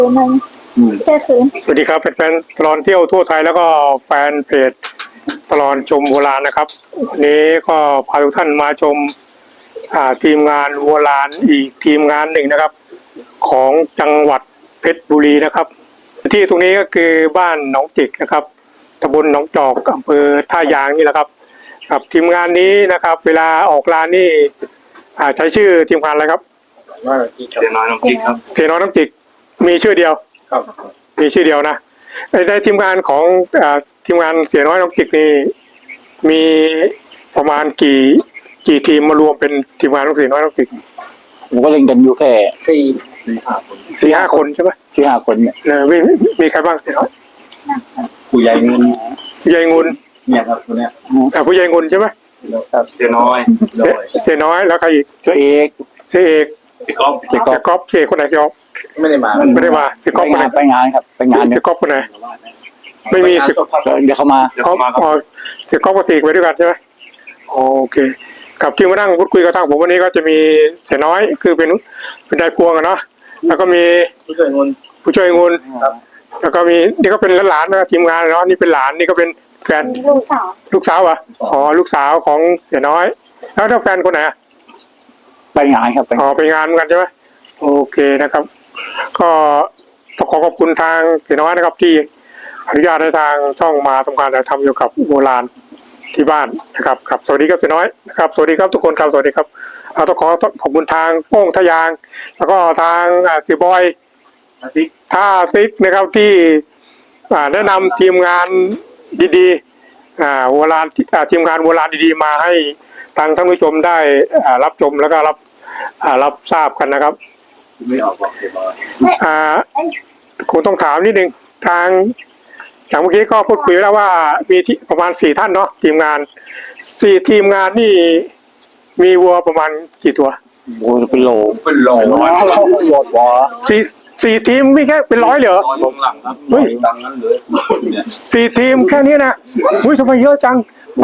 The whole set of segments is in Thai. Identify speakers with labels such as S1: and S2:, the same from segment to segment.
S1: นึงแค่คืน
S2: สวัสดีครับแฟนๆตลอดเที่ยวทั่วไทยแล้วก็แฟนเพจตลอดชมโบราณนะครับวันนี้ก็พาทุกท่านมาชมทีมงานโบราณอีกทีมงานหนึ่งนะครับของจังหวัดเพชรบุรีนะครับที่ตรงนี้ก็คือบ้านหนองจิกนะครับตำบลหนองจอกอำเภอท่ายางนี่แหละครับครับทีมงานนี้นะครับเวลาออกร้านนี่ใช้ชื่อทีมงานอะไรครับ
S3: เสียน้อยน้องจิกครับ
S2: เสน้อยน้องจิกมีชื่อเดียว
S3: ครับ
S2: มีชื่อเดียวนะในทีมงานของทีมงานเสียน้อยน้องจิกนี่มีประมาณกี่ทีมมารวมเป็นทีมงานของเสียน้อยน้องจิก
S4: ผมก็เล่นกันอยู่แค่
S2: สี่ห้าคนใช่ไหม
S4: 4-5 คนเนี่ย
S2: มีใครบ้างเสียน้อย
S3: ผู้ใหญ่เงิน
S2: ผู้ใหญ่งุน
S3: เนี่ยครับคนเนี้ย
S2: ผู้ใหญ่งุนใช่ไหม
S3: ครับเสียน้อย
S2: เสียน้อยแล้วใครอีก
S4: เจ้าเอก
S2: เสียเอก
S3: เสียก๊อฟ
S2: เสียก๊อฟเสียคนไหนเสียก๊อฟ
S3: ไม่ได้มา
S2: เสียก๊อฟคนไหน
S4: ไปงานครับไปงาน
S2: เสียก๊อฟคนไหนไม่มีเสีย
S4: เดี๋ยวเขามา
S2: เสียก๊อฟกับเสียไปด้วยกันใช่ไหมโอเคกับที่มานั่งพูดคุยกับทางผมวันนี้ก็จะมีเสียน้อยคือเป็นนายพวงอะเนาะแล้วก็มี
S3: ผู้ช่วยงุน
S2: แล้วก็มีนี่ก็เป็นหลานนะทีมงานเนาะนี่เป็นหลานนี่ก็เป็นแฟนลูกสาวอ่ะอ๋อลูกสาวของเสียน้อยแล้วถ้าแฟนคนไหน
S4: ไปงานครับ
S2: อ๋อไปงานเหมือนกันใช่ไหมโอเคนะครับก็ต้องขอบคุณทางเสียน้อยนะครับที่อนุญาตให้ทางช่องมาทำการถ่ายทำเกี่ยวกับโบราณที่บ้านนะครับครับสวัสดีครับเสียน้อยนะครับสวัสดีครับทุกคนครับสวัสดีครับต้องขอบคุณทางโป้งทะยางแล้วก็ทางเสียบอยท่าติ๊กนะครับที่แนะนำทีมงานดีๆโบราณทีมงานโบราณดีๆมาให้ทางท่านผู้ชมได้รับชมแล้วก็รับทราบกันนะครับ
S3: ไม่ออกบอกเสียบอย
S2: คงต้องถามนิดนึงทางจากเมื่อกี้ก็พูดคุยแล้วว่ามีประมาณ4ท่านเนาะทีมงาน4ทีมงานนี่มีวัวประมาณกี่ตัว
S4: โอ้เป็นโล
S2: สี่ทีมไม่แค่เป็น100เหรอ
S3: ลงหลังครับ
S2: เฮ้ย
S3: ดังนั้นเลย
S2: 4ทีมแค่นี้นะอุ้ยทำไมเยอะจัง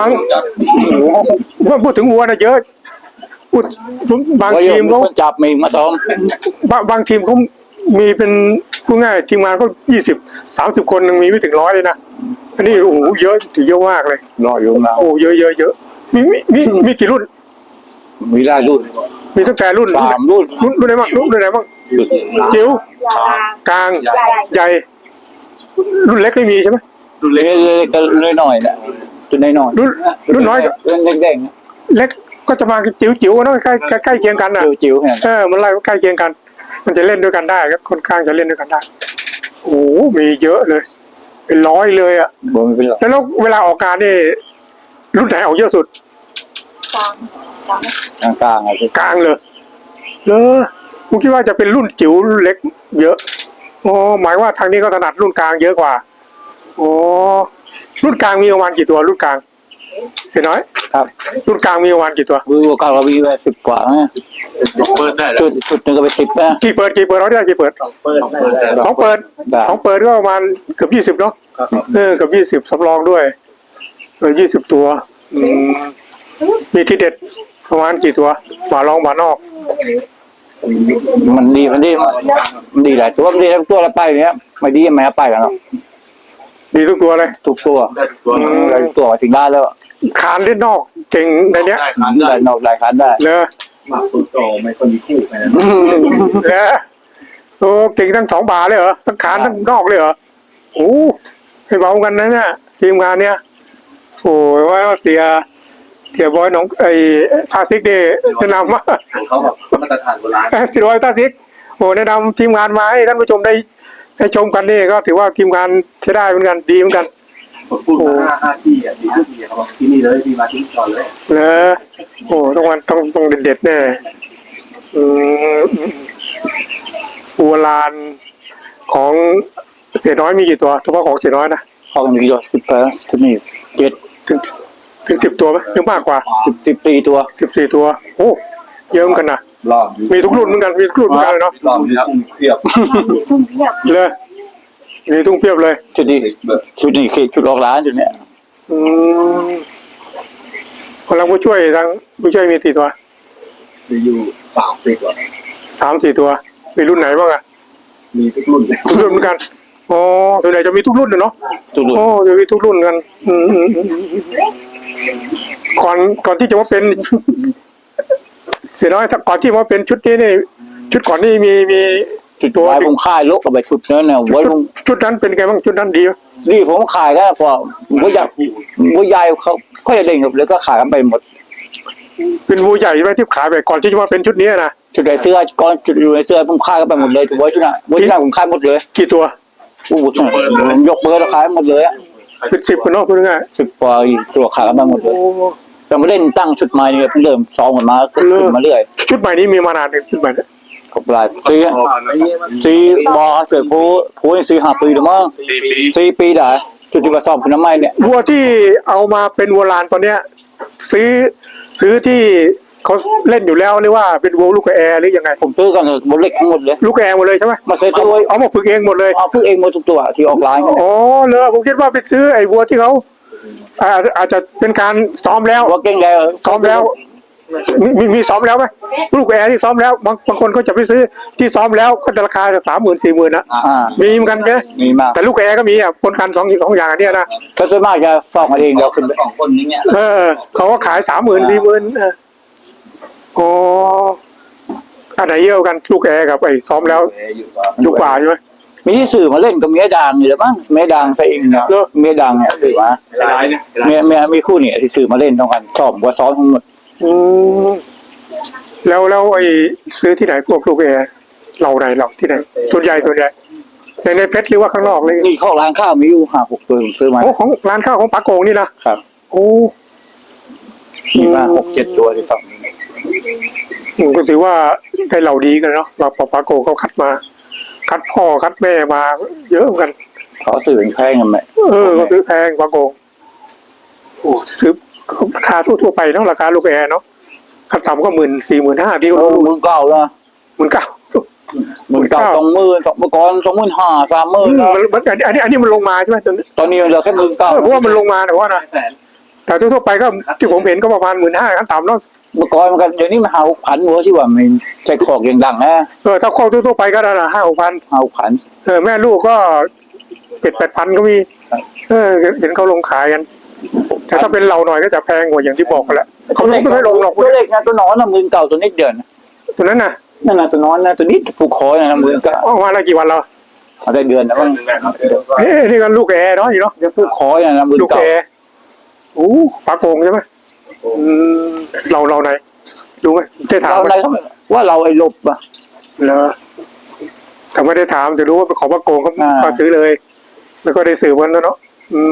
S2: พูดถึงวัวนะเยอะพูดบางทีมเขา
S4: จับมีมาซ้อม
S2: บางทีมเขามีเป็นพูดง่ายทีมงานเขา20-30 คนยังมีไม่ถึง100เลยนะอันนี้โอ้โหเยอะถือเยอะมากเลย
S4: 100อยู่นะ
S2: โอ้เยอะมีกี่รุ่น
S4: มีหลายรุ่น
S2: มีตั้งแต่รุ่น
S4: 3รุ่น
S2: ไหนบ้างรุ่นไหนบ้างจิ๋วกลางใหญ่รุ่นเล็กไม่มีใช่ไหม
S4: รุ่นเล็กก็หน่อยนะรุ่นน้อย
S2: รุ่นน้อย
S4: เด็ก
S2: เล็กก็จะมาจิ๋วนะใกล้เคียงกันนะ
S4: จิ๋ว
S2: มันไล่ใกล้เคียงกันมันจะเล่นด้วยกันได้ก็ค่อนข้างจะเล่นด้วยกันได้โอ้มีเยอะเลยเป็น100เลยอ่ะแล้วเวลาออกการนี่รุ่นไหนออกเยอะสุด
S4: กลาง
S2: เลยผมคิดว่าจะเป็นรุ่นจิ๋วรุ่นเล็กเยอะอ๋อหมายว่าทางนี้ก็ถนัดรุ่นกลางเยอะกว่าอ๋อรุ่นกลางมีประมาณกี่ตัวรุ่นกลางเสียน้อย
S4: ครับ
S2: รุ่นกลางมีประมาณกี่ตัว
S4: รุ่นกลางเรามีไว้10 กว่า
S3: เปิดได้
S4: จุดนึงก็เป็น10นะ
S2: กี่เปิดเราได้กี่เปิดของเปิดก็ประมาณเกือบ20เนาะเกือบ20สำรองด้วย20ตัวมีที่เด็ดประมาณกี่ตัวหมาลองหมานอก
S4: มันดีหลายตัวมันดีทั้งตัวละไปเนี้ยไม่ดีไม่ไปกันหรอก
S2: ดีทุกตัวเลย
S4: ทุกตัวถึงได้แล้ว
S2: ขานเล่นนอกเก่งในเนี้ย
S4: ได้นอกได้ขานได้
S2: เนอะ
S3: มาฝึกต่อไม่คนมีคู่ไปนะ
S2: เนอะโอ้เก่งทั้ง2 บาเลยเหรอทั้งขานทั้งนอกเลยเหรอโอ้ให้เบากันนะเนี่ยทีมงานเนี้ยโอ้ยว่าเสียบอยน้องทาซิกเดย์แนะนำว่า
S3: เขาแบบมาตรฐานโบราณ
S2: ที่ทาซิกโอ้แนะนำทีมงานมาให้ท่านผู้ชมได้ชมกันนี่ก็ถือว่าทีมงานใช้ได้เหมือนกันดีเหมือนกัน
S3: พูด5 ที่อ่ะดีเขาบอกที่นี่เลยที่มาที่ก่อนเลย
S2: โอ้ต้องเด็ดแน่โบราณของเสียน้อยมีกี่ตัวเฉพาะของเสียน้อยนะ
S4: ของมีกี่ตัว10ตัวนี่
S2: ถึง10 ตัวไหมหรือมากกว่า
S4: 14 ตัว
S2: โอ้เยอะเหมือนกันนะมีทุกรุ่นเหมือนกันเลยเนาะ
S3: เพียบ
S2: เลยมีทุ่งเพียบเลย
S4: ชุดนี้ชุดออกร้านจุดเนี้ย
S2: คนเราผู้ช่วยมีกี่ตัว
S3: มีอยู่3-4 ตัว
S2: 3-4 ตัวมีรุ่นไหนบ้างอ่ะ
S3: มีทุกรุ่นเลย
S2: ทุกรุ่นเหมือนกันอ๋อส่วนใหญ่จะมีทุกรุ่นเลยเนาะ
S4: ตุลุ
S2: โอ้จะมีทุกรุ่นกันก่อนที่จะมาเป็น เสียน้อยก่อนที่มาเป็นชุดนี้นี่ชุดก่อนนี่มี
S4: จุดตัวผมขายลกกับไปชุดนั้นเนี่ยไว้ผม
S2: ชุดนั้นเป็นไงบ้างชุดนั้นดีไหม
S4: นี่ผมขายกันพอว่าอยากว่ายายเขาก็จะเล่นกับแล้วก็ขายกันไปหมด
S2: เป็นวัวใหญ่ใช่ไหมที่ขายไปก่อนที่จะมาเป็นชุดนี้นะ
S4: จุดไหนเสื้อก้อนจุดอยู่ในเสื้อผมขายกันไปหมดเลยถูกไว้ชุดนั้นไว้ชุดนั้นผมขายหมดเลย
S2: กี่ตัว
S4: โอ้โหผมยกเบอร์แล้วขายหมดเลยอะ
S2: เป็น10กันเนาะพูดง่าย
S4: 10 กว่าตัวขายกันไปหมดเลยแต่ไม่เล่นตั้งชุดใหม่เนี่ยเริ่มซ้อมกันมาขึ้นมาเรื่อย
S2: ชุดใหม่นี้มีมานานเป็นชุดใหม่เนี่ย
S4: กับหลายปีบอเกิดผู้นี่4-5 ปีแล้วมั้ง4 ปีได้จุดที่มาซ้อมคุณน้ำไม้เนี่ย
S2: วัวที่เอามาเป็นวัวลานตอนเนี้ย ซื้อที่เขาเล่นอยู่แล้วหรือว่าเป็นวัวลูกแอร์หรือยังไง
S4: ผมซื้อกันบนเล็กทั้งหมดเลย
S2: ลูกแอร์หมดเลยใช่ไหม
S4: มาเคยซื้อ
S2: เอามาฝึกเองหมดเลย
S4: เอาพึ่งเองหมดทุกตัวที่ออกไลน์กัน
S2: อ๋อเลยผมคิดว่าไปซื้อไอ้วัวที่เขาอาจจะเป็นการซ้อมแล้ว
S4: ว่าเก่งแล้ว
S2: ซ้อมแล้วมีซ้อมแล้วไหมลูกแอร์ที่ซ้อมแล้วบางคนก็จะไปซื้อที่ซ้อมแล้วก็ราคา30,000-40,000นะมีเหมือนกันใช่ไหม
S4: มีมาก
S2: แต่ลูกแอร์ก็มีอ่ะปนกันสองอย่างอันเนี้ยนะ
S4: ถ้าส่วนมากจะซ้อมกันเองเราขึ้นไป
S3: 2 คนนี้เนี่ย
S2: เขาก็ขาย30,000-40,000อ๋ออันไหนเยอะกันลูกแอร์กับไอ้ซ้อมแล้วลูกกว่าใช่ไหม
S4: มีที่สื่อมาเล่นกับเมียดังนี่แหละมั้งเมียดังใส่เองนะเมียดังเนี่ยสื่อมา
S3: ร้ายเนี่ย
S4: เมียมีคู่เนี่ยที่สื่อมาเล่นต้องกันซ้อมว่าซ้อมทั้งหมด
S2: แล้วไอ้ซื้อที่ไหนพวกลูกแอร์เราไหนเราที่ไหนส่วนใหญ่ในเพชรหรือว่าข้างนอกเลย
S4: นี่ข้อร้านข้าวมีอยู่5-6 ตัวผมซื้อมา
S2: โอ้ของร้านข้าวของปาโกงนี่นะครับ โอ้
S4: มีมา6-7 ตัวที่ซ้อม
S2: ก็ถือว่าได้เหล่าดีกันเนาะเราปาโกเขาคัดมา คัดพ่อคัดแม่มาเยอะเหมือนกัน
S4: เขาสื่อแพงกันไหม
S2: ก็ซื้อแพงปาโกงโอ้ซื้อราคาทั่วไปเนาะราคาลูกแอร์เนาะขั้นต่ำก็14,000-15,000ที่
S4: โอ้
S2: เขา
S4: มึงเก่าแล้ว
S2: 19,000
S4: มึงเก่า20,000เมื่อก่อน25,000 30,000แล้ว
S2: อันนี้มันลงมาใช่ไหม
S4: ตอนนี้เหลือแค่19,000
S2: เพราะว่ามันลงมาแต่ว่านะแต่ทั่วไปก็ที่ผมเห็นก็ประมาณ15,000ขั้นต่ำเนาะ
S4: เมื่อก่อนมันก็เดี๋ยวนี้มัน6,000หัวที่ว่ามันใจคอกอย่างดังนะ
S2: ถ้าครอบทั่วไปก็ได้ละ5,000-6,000
S4: 6,000
S2: แม่ลูกก็7,000-8,000ก็มีเห็นเขาลงขายกันแต่ถ้าเป็นเราหน่อยก็จะแพงกว่าอย่างที่บอกกันแหละเขาไม่ค่อยลงหรอก
S4: ตัวเล็กนะตัวนอนนะ19,000ตัวนิดเดียวนะ
S2: ตัวนั้นน่ะ
S4: นั่นนะตัวน้อยนะตัวนี้ผูกคอนะ19,000
S2: ออกมาแล้วกี่วันแล้ว
S4: เอาได้เดือนนะมั้ง
S2: นี่กันลูกแอร์เนาะอยู่เนาะ
S4: เดี๋ยวผูกคอนะ
S2: ลูกแอร์โอ้ปลาโกงใช่ไหมเราไหนรู้ไหมได้ถาม
S4: เรา
S2: ไหม
S4: อะไรว่าเราไอ้ลบอ่ะ
S2: เหรอแต่ไม่ได้ถามจะรู้ว่าเป็นของปลาโกงก็
S4: อ่า
S2: ก็ซื้อเลย แล้วก็ได้สืบวันแล้วเนาะ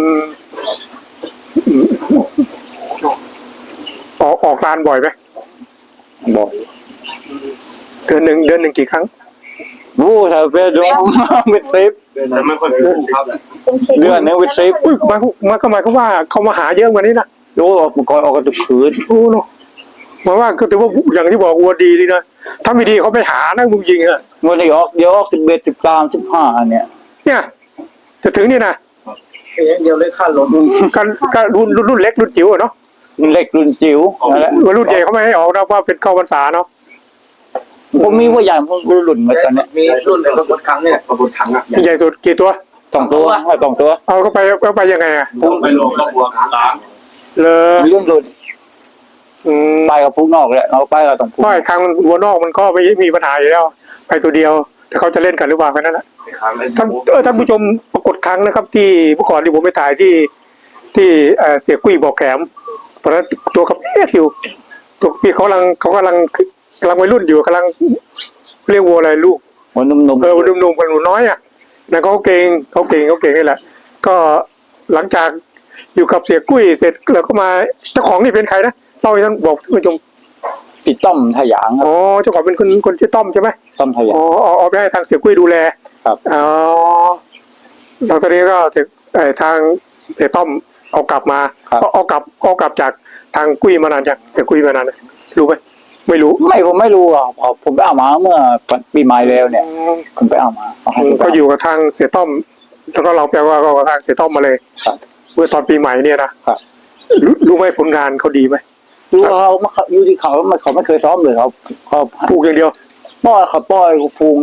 S2: ออกร้านบ่อยไหม
S4: บอก
S2: เดือนหนึ่งกี่ครั้ง
S4: โอ้ถ้าเป็นดวงเป็นเซฟ
S3: แต่ไม่ค่อยเป็นครับเลย
S4: เดือนนึงเป็นเซฟ
S2: อุ้ยมันก็หมายความว่าเขามาหาเยอะกว่านี้นะ
S4: โอ้เมื่อก่อนออกกันทุกคืน
S2: โอ้เนาะหมายว่าก็ถือว่าอย่างที่บอกวัวดีดีนะถ้าไม่ดีเขาไปหานะมึงยิงอะ
S4: เมื่อนี้ออกเดี๋ยวออก11 13 15เนี่ย
S2: เนี่ยจะถึงนี่นะ
S3: เดียวเลยขั้นลง
S2: การรุ่นเล็กรุ่นจิ๋วอะเนาะ
S4: รุ่นเล็กรุ่นจิ๋วนั่นแหละ
S2: รุ่นใหญ่เขาไม่ให้ออกนะว่าเป็นเข้าพรรษาเนาะ
S4: ผมมีว่าใหญ่ผมรุ่นมาตอนเนี้ย
S3: มีรุ่นไหนบนครั้งเนี่ยบนครั้งอ่ะ
S2: ใหญ่สุดกี่ตัว
S4: 2 ตัว
S2: เอาเข้าไปยังไงอะ
S3: ผมไปลงกับวัวกลาง
S2: เลย
S4: มีรุ่นไปกับพุกนอกแหละเราไปกับต้องพุก
S2: เพราะไอ้ครั้งวัวนอกมันก็ไม่มีปัญหาอยู่แล้ว ไปตัวเดียวแต่เขาจะเล่นกันหรือเปล่าแค่นั้นแหละ ท่านผู้ชมปรากฏครั้งนะครับ ที่เมื่อก่อนที่ผมไปถ่ายที่เสียกุ้ยบอกแขมตอนนั้นตัวกับอยู่ตัวพี่เขากำลังวัยรุ่นอยู่กำลังเรียกวัวอะไรลูก
S4: หัวนุ่ม
S2: หนุ่มๆกันหนูน้อยอ่ะนั่นเขาเก่งนี่แหละ ก็หลังจากอยู่กับเสียกุ้ยเสร็จแล้วก็มาเจ้าของนี่เป็นใครนะเล่าให้ท่านบอกท่านผู้ชม
S4: ๆพี่ต้อมทะยางครับ
S2: อ๋อเจ้าของเป็นคนชื่อต้อมใช่ไหม
S4: ต้อมทะยา
S2: อ๋
S4: ง
S2: อเอาไปให้ทางเสียกุ้ยดูแล
S4: ครับ
S2: อ๋อแล้วตอนนี้ก็ทางเสียต้อมเอากลับมาเอากลับจากทางกุ้ยมานานจากเสียกุ้ยมานานรู้ไหมไม่รู้
S4: ผมไม่รู้อ่ะผมไปเอามาเมื่อปีใหม่แล้วเนี่ยผมไปเอามาให้
S2: ก็อยู่กับทางเสียต้อม แล้วก็เราแปลว่าก็กับทางเสียต้อมมาเลย
S4: ครับ
S2: เมื่อตอนปีใหม่เนี่ยนะครับ รู้ไหมผลงานเขาดีไหม
S4: ดูเขาอยู่ที่เขาไม่เคยซ้อมเลยเขา
S2: ปลูกอย่างเดียว
S4: ป้อยเขาพุงอยู่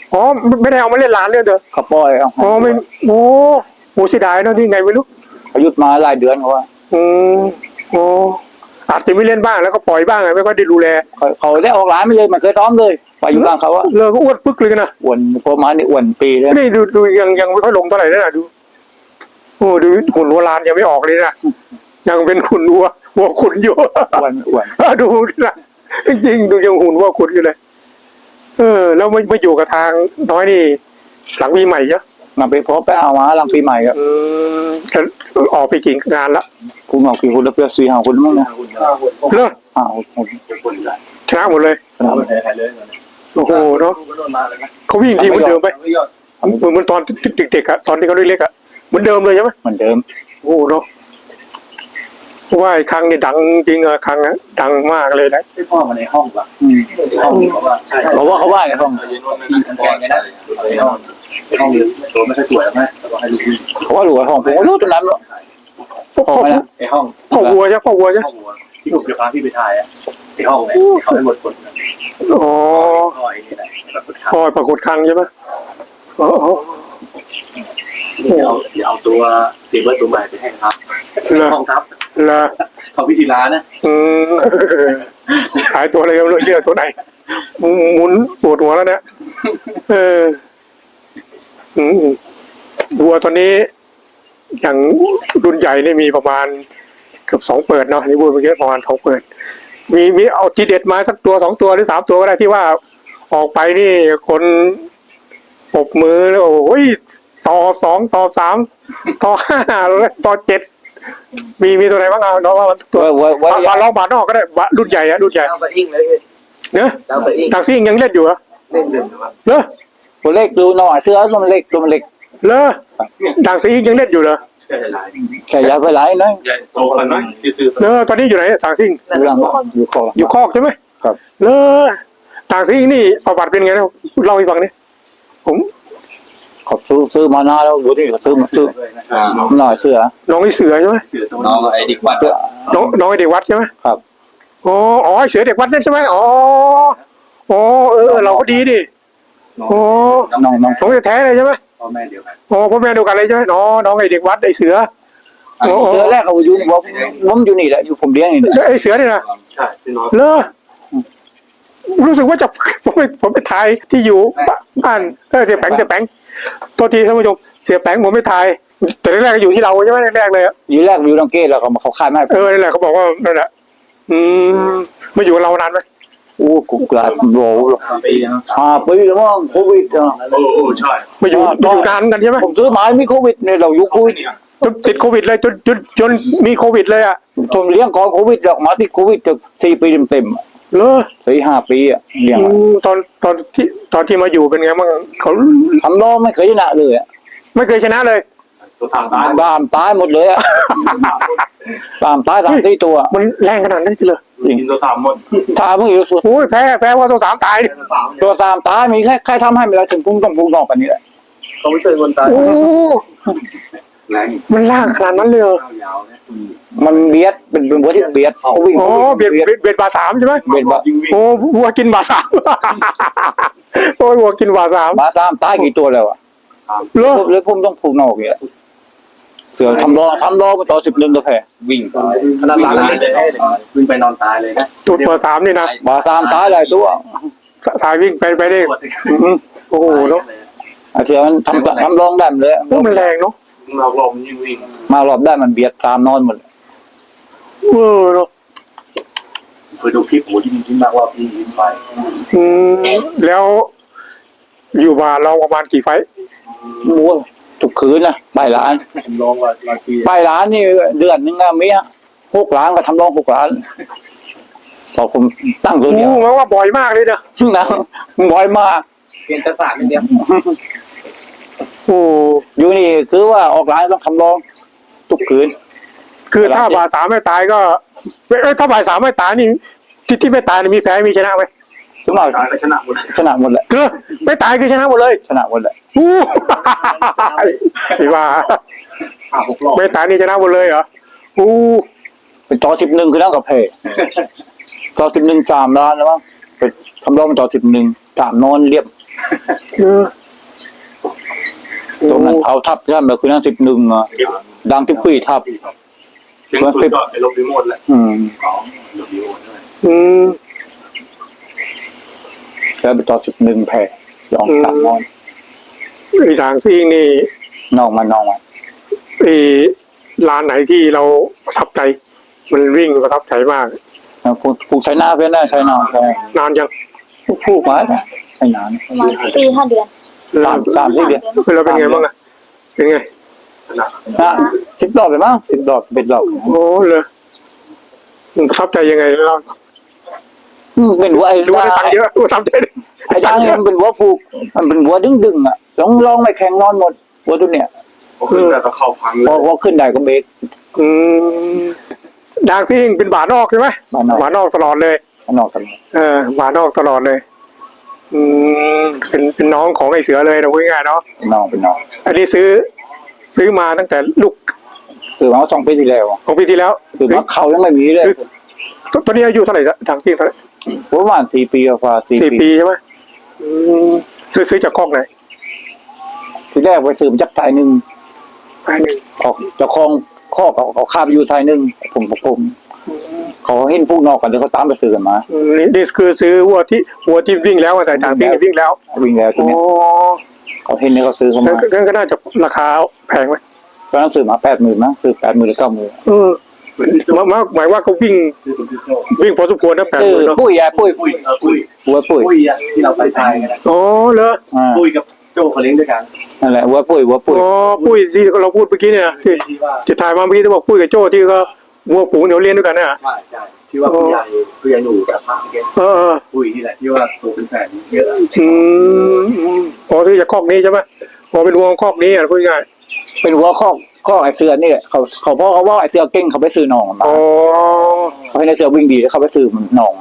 S2: อ๋อไม่ได้เอามาเล่นร้านเลยเด้อ
S4: เขาปล่อยเอา
S2: อ๋อไม่โอ้โหเสียดายเนาะที่ไงไม่รู้
S4: เขาหยุดมาหลายเดือนเขาว่า
S2: อืมโอ้อาจจะไม่เล่นบ้างแล้วก็ปล่อยบ้างไงไม่ก็ได้ดูแล
S4: เขาได้ออกร้านไม่เลยมันเคยซ้อมเลยไปอยู่ข้างเขาว่า
S2: เลิกก็อ้วนปึ๊กเลยนะ
S4: อ้วนพอมานี่อ้วนปีเลย
S2: นี่ดูยังไม่ค่อยลงเท่าไหร่นะดูโอ้ดูหุ่นวัวลานยังไม่ออกเลยนะยังเป็นหุ่นวัวขุนอยู่
S4: อ้วน
S2: ดูนะจริงๆดูยังหุ่นวัวขุนอยู่เลยแล้วมาอยู่กับทางน้อยนี่หลังปีใหม่เยอะ
S4: มาไปพบไปเอามาหลังปีใหม่ครับ
S2: จะออกไปกี่งานละ
S4: คุณบอกกี่คนแล้วเพื่อ4-5คนมั้งนะ
S2: เลิก
S4: 5 คน
S2: ชนะหมดเลย
S3: เอาไปไหนเลย
S2: โอ้โหเนาะ
S3: ก็โดนมาเลยนะ
S2: เขาวิ่งทีเหมือนเดิมไหมเหมือนตอนเด็กๆอะตอนที่เขาเล็กๆอะเหมือนเดิมเลยใช่ไหม
S4: เหมือนเดิม
S2: โอ้เนาะเพราะว่าไอ้ครั้งนี่ดังจริงอะครั้งอะดังมากเลยนะ
S3: ที่พ่อมาในห้องป่ะห้องนี้เขาว่าใช่
S4: เขาว่าเขาว่าไงครับ
S3: มีทั้งแกงเลยนะในห้องนี้ตัวไม่ค่อยสวยไหมแต่ว่าให้ลูกวิ่ง
S4: เขาว่าหลวงของผมก็รู้ตรงนั้น
S2: พ่อ
S3: ในห้อง
S2: วัวใช่พ่อวัวใช่
S3: ห้องวัวที่ผมจะพาพี่ไปถ่ายอ่ะในห้องเนี่ยเขาให้หมดคน
S2: อ๋อ
S3: ห้อยนี่แหละแบบสุดท้าย
S2: พ่อปรากฏครั้งใช่ไหมอ๋อ
S3: เอาตัวตีเบิร์ดตัวใหม่ไปให้ครับห้องทับ
S2: ละ
S3: ของพิธีร้านนะ
S2: ขายตัวอะไรกันเลยเยอะตัวไหนหมุนปวดหัวแล้วเนี่ยวัวตอนนี้อย่างรุ่นใหญ่นี่มีประมาณเกือบ2 เปิดเนาะนี่พูดเมื่อกี้ประมาณ2 เปิดมีเอาทีเด็ดมาสักตัว2 ตัวหรือ3 ตัวก็ได้ที่ว่าออกไปนี่คนปรบมือแล้วโอ้ยต่อ2 ต่อ 3 ต่อ 5แล้วต่อ 7มีตัวไหนบ้างเอาน้องว่าตัวว่าลองบาทนอกก็ได้รุ่นใหญ่อะรุ่นใหญ่
S3: ดาวสะอิ่งเลย
S2: เนอะ
S3: ดาวสะอิ่ง
S2: ต่างซิ่งยังเล่นอยู่เหรอ
S3: เล่นเด่นครับ
S2: เนอะ
S4: ตัวเล็กดูหน่อยเสื้อตัวเล็ก
S2: เลอต่างซิ่งยังเล่นอยู่เหรอ
S3: ใช่หลาย
S4: แค่ยาไปไหลนะ
S3: ใหญ่โตกันไหมคือ
S2: เลอตอนนี้อยู่ไหนต่างซิ่ง
S4: อยู่หลังอยู่คอ
S2: อยู่คอกใช่ไหม
S4: ครับ
S2: เลอต่างซิ่งนี่ประวัติเป็นไงนะเล่าให้ฟังนี่ผม
S4: ขอบซื้อมานานแล้วดูนี่เขาซื้อหน่อยเสื้อ
S2: น้องไอ้เสือใช่ไหม
S3: เสือตัวน้องไอ้ดิกวัด
S2: น้องไอ้เด็กวัดใช่ไหม
S4: ครับ
S2: อ๋อไอ้เสือเด็กวัดนั่นใช่ไหมอ๋อเราก็ดีดิอ๋อ
S4: น้อง
S2: น้องแท้ๆเลยใช่ไหม
S3: พ่อแม่เดียวกัน
S2: อ๋อพ่อแม่เดียวกันเลยใช่ไหมน้องไอ้เด็กวัดไอ้เสือ
S4: เสื้อแรกเขาอยู่ผมอยู่นี่แหละอยู่ผมเลี้ยงนี่
S2: ไอ้เสือเนี่ยนะ
S3: ใช่พี่น้อง
S2: เลอรู้สึกว่าจะ ผมไปถ่ายที่อยู่บ้านเสียแปงตัวทีท่านผู้ชมเสียแปงผมไม่ถ่ายแต่แรกๆก็อยู่ที่เราใช่ไหมแรกๆเลยอะ
S4: อยู่แรกอยู่ลังเกตแล้วเขาขายไม่
S2: นั่นแหละเขาบอกว่านั่นแหละมาอยู่กับเรานานไหม
S4: โอ้กุกลาดโห
S3: ปีนะ
S4: 5 ปีแล้วมั้งโควิด
S3: โอ้ใช่
S2: มาอยู่นานกันใช่ไหม
S4: ผมซื้อมามีโควิดเนี่ยเราอยู่โควิด
S2: จนติดโควิดเลยจนมีโควิดเลยอ่ะ
S4: ผมเลี้ยงก่อนโควิดออกมาที่โควิดจะ4 ปีเต็ม
S2: เลอ
S4: 4-5 ปีอ่ะเลี้ยง
S2: ตอนที่มาอยู่เป็นไงบ้างเขา
S4: ทำล้อไม่เคยชนะเลยอ่ะ
S2: ไม่เคยชนะเลย
S3: ตัวทางร้าน
S4: ตามตายหมดเลยอ่ะตามตายทั้งที่ตัว
S2: มันแรงขนาดนั้นเลย
S3: กินตัวสามหมด
S4: ถ้ามึงอยู่สุด
S2: โอ้ยแพ้ว่าตัว3 ตาย
S4: ตัวตามตายมีใครทำให้ไม่ได้ถึงพุ่งต้องพุ่งนอกกันนี่แหละ
S3: เขาไม่เคยคนตาย
S2: โอ้
S3: แรง
S2: มันล่างขนาดนั้นเลย
S3: ยาวเนี่ย
S4: มันเบียดเป็นวัวที่เบียดเขาวิ่ง
S2: อ๋อเบียดบาสามใช่ไหม
S4: เบียดบา
S2: โอ้วัวกินบาสาม โอ้ยวัวกินบาสาม
S4: บาซ้ำตายกี่ตัวแล้วอ่ะ
S2: เลอ
S4: เลยพุ่มต้องพุ่งนอกนี่แหละเสือทำรอมาต่อ11ตัวแพ้
S3: วิ่งขนาดร้านเลยวิ่งไปนอนตายเลยนะ
S2: จุดบาสามนี่นะ
S4: บาซ้ำตายหลายตัว
S2: สายวิ่งไปได้ โอ้โหเนาะ
S4: เสือมันทำรองได้เลย
S2: โอ้มันแรงเนาะ
S3: เราลมยิ่งวิ่ง
S4: มารอบได้มันเบียดตามนอนหมด
S2: เนาะ
S3: เคยดูคลิปโหที่ยิ้มมากว่าพี่ยิ้มไป
S2: แล้วอยู่มาเราประมาณกี่ไฟ
S4: โอ้ทุกคืนนะไปร้าน
S3: ผมลองว่าปี
S4: ไปร้านนี่เดือนนึงอะมี6 ล้านก็ทำรอง6 ล้านพอผมตั้งตัวเดียว
S2: มันว่าบ่อยมากเลยนะ
S4: นะบ่อยมาก
S3: เปลี่ยนกระสานเดียว
S2: โอ้
S4: อยู่นี่คือว่าออกร้านต้องทำรองทุกคืน
S2: คือถ้าบาสามไม่ตายก็ถ้าบาสามไม่ตายนี่ที่ไม่ตายมีแพ้มีชนะไหม
S4: ทุกหน่อย
S3: ตายก็ชนะหมด
S4: ชนะหมดแหละ
S2: ไม่ตายคือชนะหมดเลย
S4: ชนะหมดแหละ
S2: สิว่า
S3: 6 รอบ
S2: ไม่ตายนี่ชนะหมดเลยเหรออู้
S4: เป็นต่อ11คือนั่งกับเพต่อ11 3 ล้านแล้วมั้งไปทำรองต่อ11 3นอนเรียบ
S2: เออ
S4: ตรงนั้นเอาทับย่ำแบบคือนั่ง11อ่ะดังที่ปีทับ
S3: เสียงสุดยอดไปลบรีโมทเลย
S4: อืม
S3: ของลบรีโมทด้วย
S2: อืม
S4: แล้วไปต่อ11แผ่ยองตามนอน
S2: ไอ้ทางซิ่งนี่
S4: นอกมา
S2: ไอ้ร้านไหนที่เราประทับใจ มันวิ่งประทับใจมาก
S4: ผูกใช้หน้าเพื่อนได้ใช้นอนใช่
S2: นานยัง
S4: ผูกไว้นะใช้นาน
S1: ประมาณ4-5 เดือน
S4: สามสี่เดือน
S2: เราเป็นไงบ้างอะเป็นไง
S4: นะ10 ดอกเลยมั้ง10 ดอกเป็นดอก
S2: โอ้เลยมันประทับใจยังไงเรา
S4: เป็นหัวไอ้
S2: ดูว่าได้ตังค์เยอะประทับใจ
S4: ไอ้ดังเนี่ยมันเป็นหัวผูกมันเป็นหัวดึงอ่ะลองไม่แข็งนอนหมดหัวตัวเนี้ย
S3: พอขึ้นแล้วก็เข้าพังเล
S4: พอย พอขึ้นได้ก็เบรก
S2: อืมดางซิ่งเป็นบาทนอกใช่ไหม
S4: บ้านนอก
S2: บาทนอกตลอดเลย
S4: นอกกัน
S2: บาทนอกตลอดเลย เป็นน้องของไอ้เสือเลยนะพูดง่ายๆเนาะ
S4: เป็นน้อง
S2: อันนี้ซื้อมาตั้งแต่ลูก
S4: คือมา2 ปีที่แล้ว
S2: ของปีที่แล้ว
S4: คือมาเขายังไม่มีเลย
S2: ซื้อตอนนี้อายุเท่าไหร่ดางซิ่งเท่าไหร่
S4: ประมาณ4 ปีกว่า4
S2: 4
S4: ปี
S2: ปีใช่ไหมซื้อจากคอกไหน
S4: ที่แรกไปซื้อมาจากไทยนึง
S2: ไปหนึ่ง
S4: เจ้าของข้อเขาข้าไปอยู่ไทยนึงผมเขาเห็นพวกนอกกันแล้วเขาตามไปซื้อกันมา
S2: นี่คือซื้อวัวที่วิ่งแล้วแต่ดางซิ่งวิ่งแล้ว
S4: วิ่งแล้วตัว
S2: โอ้
S4: เนี้ยเขาเห็นแล้วเขาซื้อเขามา
S2: งั้นก็น่าจะราคาแพงไหม
S4: ตอนนั้นซื้อมา80,000นะซื้อ80,000หรือ90,000
S2: หมายว่าเขาวิ่ง
S3: คือคุณพี่โจ
S2: วิ่งพอสมควรนะแปด
S4: ซื้อ
S2: หมื่นเนาะ
S4: ปุ้ยปุ้ย
S3: ปุ้ยปุ้ย
S4: หัวปุ้ย
S3: ปุ้ยอ่ะที่เราไปทายกันนะ
S2: อ๋อเหรอ
S3: ปุ้ยกับโจเขาเลี้ยงด้วยกัน
S4: นั่นแหละหัวปุ้ย
S2: อ๋อปุ้ยที่เราพูดเมื่อกี้เนี่ยที่
S3: ที่ว่า
S2: จะถ่ายมาเมื่อกี้ที่บอกปุ้ยกับโจ้ที่ก็วัวฝูงเดี๋ยวเรียนด้วยกันเนี่ย
S3: ใช่ที่ว่าผู้ใหญ่หนูกับพระเกศ
S2: เออ
S3: ปุ้ยนี่แหละที่ว่าตัวเป็นแฟนเยอะ
S2: อ๋อที่จะคอกนี้ใช่ไหมพอเป็นวัวคอกนี้อ่ะพูดง่าย
S4: เป็นหัวข้อไอเสือนี่แหละเขาพ่อเขาว่าไอเสือเก่งเขาไปซื้อหนองมา
S2: อ๋อ
S4: เขาให้ไอเสือวิ่งดีแล้วเขาไปซื้อหนองมา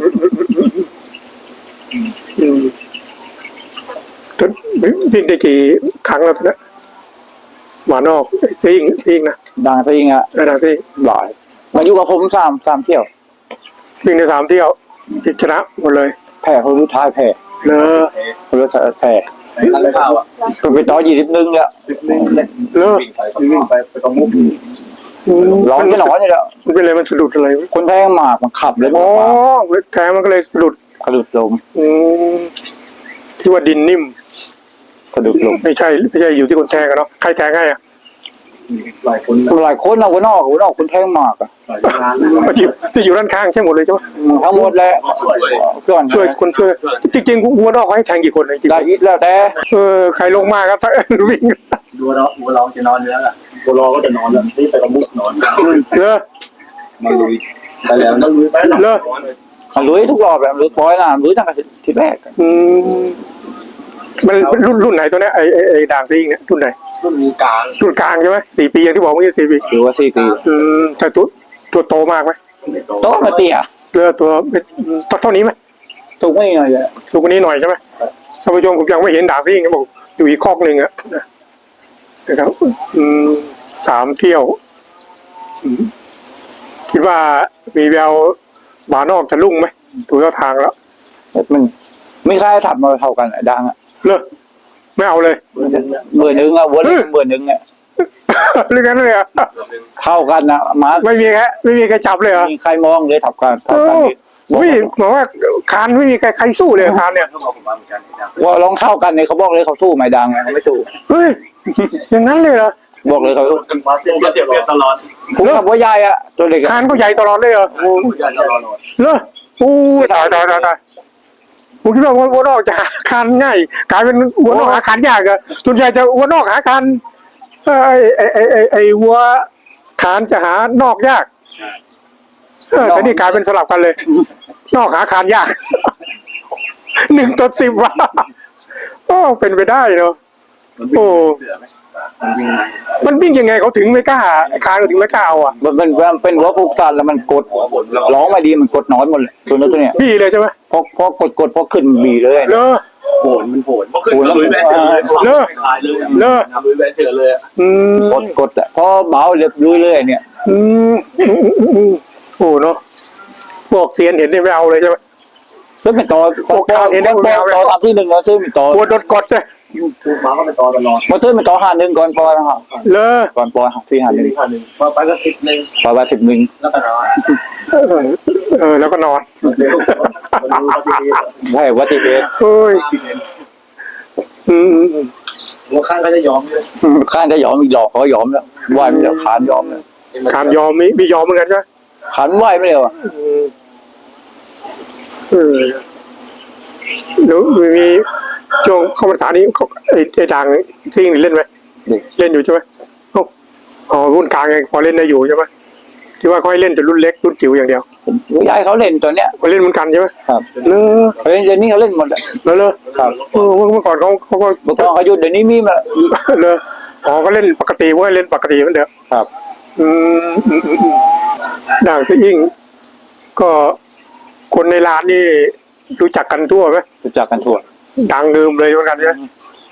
S2: ทุนวิ่งได้กี่ครั้งแล้วทุนนะหวานออกซิ่งนะ
S4: ดังซะยิงอ่ะ
S2: ดังซิ่ง
S4: หลายมาอยู่กับผมสามเที่ยว
S2: วิ่งใน3 เที่ยวชนะหมดเลย
S4: แพ้เขารู้ท้ายแพ้
S2: เลอ
S4: เขารู้แพ้
S3: นั่นข้าวอ่ะ
S4: ไปต่อ21แล้ว
S2: เลอ
S3: วิ่งไปตรงมุก
S4: ร้องไม่ร้อนนี่แหละ
S2: มันเป็นอะไรมันสะดุดอะไร
S4: คนแทงหมากมันขับเลย
S2: อ๋อแทงมันก็เลยสะดุด
S4: กระดุดลม
S2: ที่ว่าดินนิ่ม
S4: กระดุดลม
S2: ไม่ใช่อยู่ที่คนแทงกันเนาะใครแทงให้อ่ะ
S3: หลายคน
S4: หลายคนเอาคนนอกคนแทงหมากอ่ะ
S3: หลายงาน
S2: ที่อยู่ด้านข้างใช่หมดเลยใช่ไหม
S4: ทั้งหมดแหละก่อน
S2: ช่วยคนช่วยจริงๆวัวนอกเขาให้แทงกี่คนเลยจริง
S4: ได้ยิดแล้วแต่
S2: ใครลงมาครับวิ่ง
S3: ดูเราจะนอนอยู่แล้วล่ะบัวรอก็จะนอนแล้วนี่ไปตรงมุกนอน
S2: เลอ
S3: มาลุยไปแล้วนั่งลุยไปแล้ว
S4: เขาลุยทุกรอบแบบลุยปล่อยนะลุยตั้งแต่ทีแรก
S2: มันรุ่นไหนตัวเนี้ยไอ้ด่างซิ่งเนี่ยรุ่นไหน
S3: รุ่นมีกลาง
S2: รุ่นกลางใช่ไหม4 ปีอย่างที่บอกเมื่อกี้4 ปี
S4: หรือว่า4 ปี
S2: แต่ตัวโตมากไหม
S4: โตมาเตี้ย
S2: เรือตัวเท่านี้ไหม
S4: สูงไม่หน่อยเลย
S2: สูงกว่านี้หน่อยใช่ไหมท่านผู้ชมผมยังไม่เห็นด่างซิ่งเขาบอกอยู่อีกคอกหนึ่งอะนะครับ3 เที่ยวคิดว่ามีแววบานอกจะลุ่งไหมดูท่าทางแล้ว
S4: มันไม่ใช่ถัดมาเท่ากันดังอ่ะ
S2: เลิกไม่เอาเลย
S4: เบอร์หนึ่งอ่ะวัวเล็กเบอร์หนึ่งอ่ะ
S2: เรื่องนั้นเลยอ่ะ
S4: เท่ากันนะมา
S2: ไม่มีใครจับเลยเหรอ
S4: มีใครมองเลยเท่ากัน
S2: อุ้ยบอกว่าคานไม่มีใครสู้เลยคานเนี่ย
S3: ต้องบอกผมมาเหมือนกัน
S4: ว่าลองเท่ากันเนี่ยเขาบอกเลยเขาสู้ไม่ดังเขาไม่สู้
S2: เฮ้ยอย่างนั้นเลยเหรอ
S4: บอกเลยเขาสู้
S3: มาเสียเสียตลอด
S4: ผมกับวัวใหญ่อ่ะตัวเล็ก
S2: คานก็ใหญ่ตลอดเลยเหรอ
S3: โอ้ยตลอด
S2: เลิกอู้ตายผมคิดว่าวัวนอกจะหาคานง่ายกลายเป็นวัวนอกหาคานยากอะส่วนใหญ่จะวัวนอกหาคานไอ้วัวคานจะหานอกยากแต่นี่กลายเป็นสลับกันเลย นอกหาคานยาก 1/10 ว่ะโอ้เป็นไปได้เนาะโอ้มันวิ่งยังไงเขาถึงไม่กล้าคานเขาถึงไม่กล้าเอาอ่ะ
S4: มันเป็นหัวผูกตันแล้วมันกดร้องไม่ดีมันกดนอนหมดเลยตัวนั้นตัวเนี้ย
S2: พี่เลยใช่ไหม
S4: พอกดพอขึ้นบีเลย
S2: เลอ
S3: โหนมันโหนเพราะขึ้นลุยแบนเถื่อนเลยคลายเลยลุยแบนเถื่อนเลย
S4: กดอ่ะพอเบาเรียบลุยเลยเนี่ย
S2: โอ้เนาะพวกเซียนเห็นนี่ไม่เอาเลยใช่ไหม
S4: ซื้อเป็นตอ
S2: โอกาสเห็นได้
S4: ตอทำที่หนึ่งแล้วซื้อเป็นตอก
S2: ลัวโดนกดเลย
S3: คือหมาก็เป็นตอตลอด
S4: มาซื้อเป็นตอ51ก่อนปอยนะครับ
S2: เลย
S4: ก่อนปอยที่51
S3: ที่1พอไปก็10
S4: ปอยว่า11
S3: แล้วก็นอน
S2: แล้วก็นอน
S3: เดี๋ยวมันรู้ว่าที่นี่
S4: ให้วัติเหตุ
S2: เฮ้ยอืม
S3: หัวข้างก็จะยอมเลย
S4: ข้านจะยอมอีกดอกเขายอมแล้วไหวไม่เดียวขานยอมแล้ว
S2: ขานยอมมียอมเหมือนกันใช่ไหม
S4: ขานไหวไม่เดียว
S2: แล้วมีช่วงเข้าพรรษานี้ไอ้ดังซิ่งเล่นไหมเล่นอยู่ใช่ไหมอ๋อรุ่นกลางพอเล่นได้อยู่ใช่ไหมที่ว่าเขาให้เล่นแต่รุ่นเล็กรุ่นจิ๋วอย่างเดียว
S4: ย้ายเขาเล่นตัวเนี้ย
S2: เขาเล่นเหมือนกันใช่ไหม
S4: ครับ
S2: เนอะ
S4: เฮ้ยเดี๋ยวนี้เขาเล่นหมด
S2: เลย
S4: ครับ
S2: เมื่อก่อนเขาก็
S4: เมื่อก่อนเขาหยุดเดี๋ยวนี้มีมา
S2: เลยอ๋อก็เล่นปกติว่าเล่นปกติเหมือนเดิม
S4: ครับ
S2: ด่างซิ่งก็คนในร้านนี่รู้จักกันทั่วไหม
S4: รู้จักกันทั่ว
S2: ดังลืมเลยเหมือนกันใช่ไหม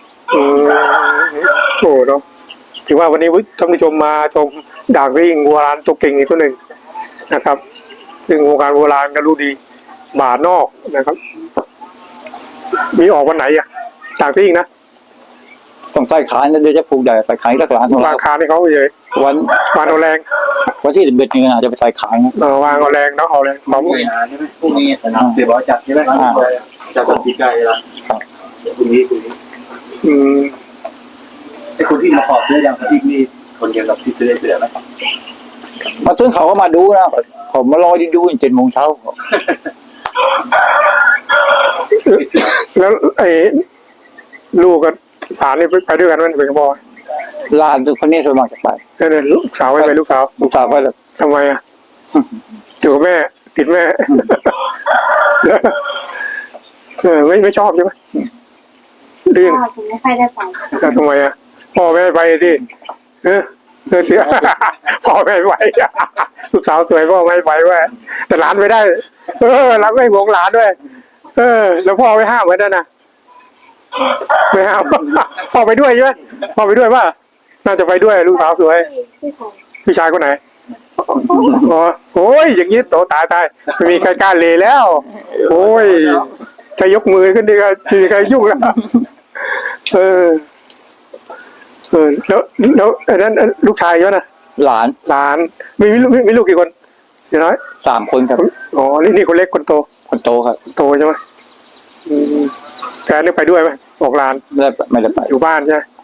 S2: โอ้เนาะถือว่าวันนี้ท่านผู้ชมมาชมด่างซิ่งโบราณตัวเก่งอีกตัวหนึ่งนะครับ ซึ่งวงการโบราณก็รู้ดีบาทนอกนะครับ มีออกวันไหนอ่ะด่างซิ่งนะ
S4: ต้องใส่ขายนะเดี๋ยวจะปลูกใหญ่ใส่ขายรักหลานของ
S2: วา
S4: เรา
S2: งคาให้เขาเลย
S4: วัน
S2: วางเอาแรง
S4: วันที่11นี่อาจจะไปใส่ขายนะ
S2: วางเอาแรงเนาะเอาแรงพร้อม
S3: พรุ่งนี้ใช่ไหมพรุ่งนี้เดี๋ยวบอกจัดใช่ไหมจัดวันที่ใกล้แล้วพรุ่งนี้ไอ้คนที่มาขอบเสื้อยังที่นี่คนเดียวกับที่ซื้อเสื้อไหม
S4: มาซึ่งเขาก็มาดูนะผมมารอดู7 โมงเช้า
S2: แล้วไอ้ลูกกับหลานนี่ไปด้วยกันมันเป็นกระบอก
S4: หลานคนนี้ส่วนมากจะไป
S2: เนี่ยลูกสาวไปลูกสาว
S4: ลูกสาวก็จะ
S2: ทำไมอ่ะอยู่กับแม่ติดแม่ไม่ชอบใช่ไหมเรื่อง
S1: ผมไม่ค่อยได้ไป
S2: ทำไมอ่ะพ่อแม่ไปที่เชื่อพ่อแม่ไปลูกสาวสวยพ่อแม่ไปด้วยแต่หลานไม่ได้หลานไม่หวงหลานด้วยแล้วพ่อไม่ห้ามไว้ด้วยนะไม่ห้ามพ่อไปด้วยใช่ไหมพ่อไปด้วยป่ะน่าจะไปด้วยลูกสาวสวย
S1: พี่ชาย
S2: พี่ชายคนไหนอ๋อโอ้ยอย่างนี้โตตายไม่มีใครกล้าเลยแล้ว โอ้ยแค่ยกมือขึ้นดีก็ไม่มีใครยุ่งแล้วแล้วไอ้นั้นลูกชายเยอะนะ
S4: หลาน
S2: หลานมีลูกกี่คนเสียน้อย
S4: 3 คนครับ
S2: อ๋อนี่คนเล็กคนโต
S4: คนโตครับ
S2: โตใช่ไหมแฟนได้ไปด้วยไหมบอกหลาน
S4: ไม่ได้ไป
S2: อยู่บ้านใช่ไหม